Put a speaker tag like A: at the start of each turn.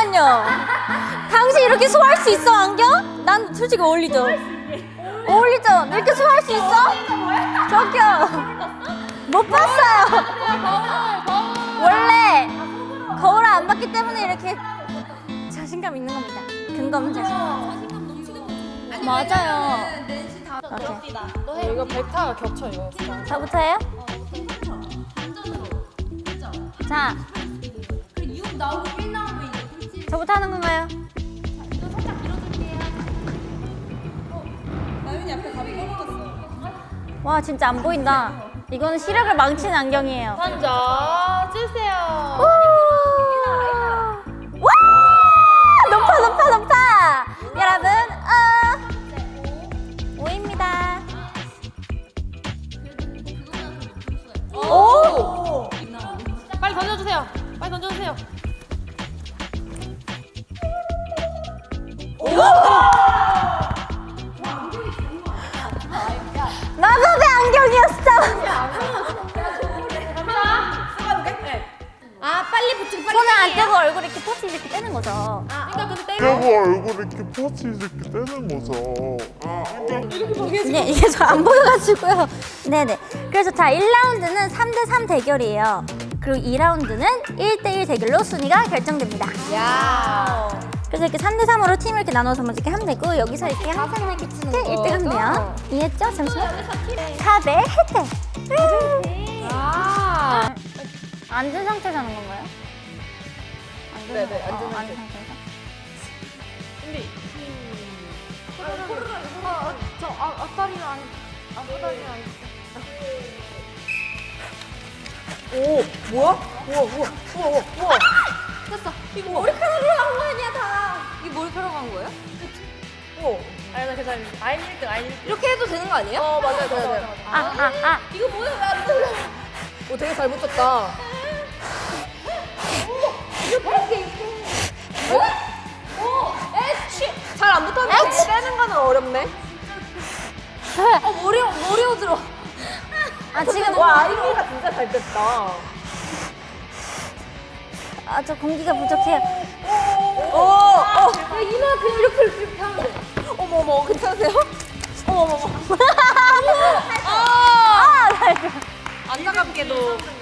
A: 잠깐만요. 당신 이렇게 소화할 수 있어 안경? 난 솔직히 어울리죠. 어울리죠? 이렇게 소화할 수 있어? 저기요. 못 봤어요. 원래 거울을 안 봤기 때문에 이렇게 자신감 있는 겁니다. 근거 없는 자신감. 맞아요. 오케이.
B: 이거 벡터가 겹쳐 이거.
A: 저부터 해요? 자, 저부터 하는 건가요?
B: 나윤이 앞에 가비 꺼먹었어.
A: 와 진짜 안 보인다. 이거는 시력을 망치는 안경이에요.
B: 먼저 주세요.
A: 와! 높아 높아 높아. 여러분, 5입니다.
B: 오! 빨리 던져주세요. 빨리 던져주세요.
A: 마법의 안경이었어.
B: 아 빨리 붙이고 빨리.
A: 손을 안 떼고 얼굴 이렇게 포즈 이렇게 떼는 거죠.
B: 그러니까 근데
C: 떼고 얼굴 이렇게 포치 이렇게 떼는 거죠.
A: 네, 이게 잘 안 보여가지고요. 네네. 그래서 자, 1라운드는 3대3 대결이에요. 그리고 2라운드는 1대1 대결로 순위가 결정됩니다.
B: 야.
A: 그래서 이렇게 3대3으로 팀을 이렇게 나눠서 먼저 이렇게 하면 되고, 여기서 이렇게 항상 이렇게 치는 1등 하면. 이해했죠? 잠시만. 4대 혜택.
B: 아.
A: 앉은 상태에서 하는 건가요?
B: 네네, 앉은
A: 앉은
B: 상태.
A: 상태에서.
B: 준비. 저 앞다리는 안. 앞다리는 안. 오, 뭐야? 우와. 됐어. 이거 머리카락으로 한 거 아니야, 다. 이게 머리카락 한 거예요? 오. 아니, 나 괜찮아. 아임 1등, 아임 1등. 이렇게 해도 되는 거 아니에요? 맞아요. 이거 뭐야, 왜안 들려? 오, 되게 잘 붙였다. 잘 안 붙었는데 빼는 거는 어렵네. 머리 어지러.
A: 아, 지금.
B: 와, 아이미가 진짜 잘 뺐다.
A: 아, 저 공기가 부족해요.
B: 야, 이마 그냥 이렇게 하면 돼. 어머머, 괜찮으세요? 어머머머.
A: 아, 나
B: 안타깝게도